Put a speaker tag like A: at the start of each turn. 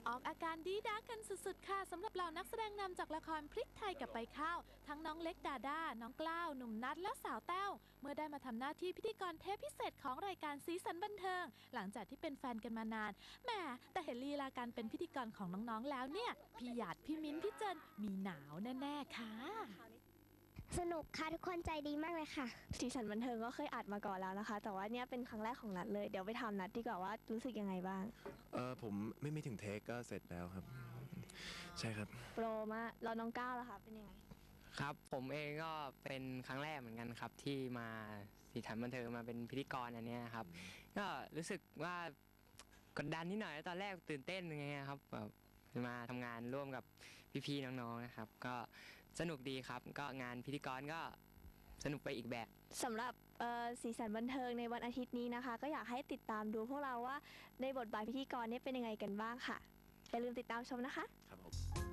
A: ออกอาการดีด้ากันสุดๆค่ะสำหรับเหล่านักแสดงนำจากละครพริกไทยกับใบข้าวทั้งน้องเล็กดาด้าน้องกล้าวหนุ่มนัทและสาวแต้วเมื่อได้มาทำหน้าที่พิธีกรเทปพิเศษของรายการสีสันบันเทิงหลังจากที่เป็นแฟนกันมานานแหมแต่เห็นลีลาการเป็นพิธีกรของน้องๆแล้วเนี่ยพี่หยาดพี่มิ้นพี่เจนมีหนาวแน่ๆค่ะ
B: สนุกค่ะทุกคนใจดีมากเลยค่ะ
C: สีสันบันเทิงก็เคยอัดมาก่อนแล้วนะคะแต่ว่าเนี่ยเป็นครั้งแรกของนัดเลยเดี๋ยวไปถามนัดดีกว่าว่ารู้สึกยังไงบ้าง
D: ผมไม่ถึงเทคก็เสร็จแล้วครับใช่ครับ
C: โปรมากเราน้องก้าวล่ะคะเป็นยังไง
E: ครับผมเองก็เป็นครั้งแรกเหมือนกันครับที่มาสีสันบันเทิงมาเป็นพิธีกรอันนี้ครับก็รู้สึกว่ากดดันนิดหน่อยตอนแรกตื่นเต้นยังไงครับแบบมาทำงานร่วมกับพี่ๆน้องๆนะครับก็สนุกดีครับก็งานพิธีกรก็สนุกไปอีกแบบ
C: สำหรับสีสันบันเทิงในวันอาทิตย์นี้นะคะก็อยากให้ติดตามดูพวกเราว่าในบทบาทพิธีกรเนี่ยเป็นยังไงกันบ้างค่ะอย่าลืมติดตามชมนะคะ
D: ครับผม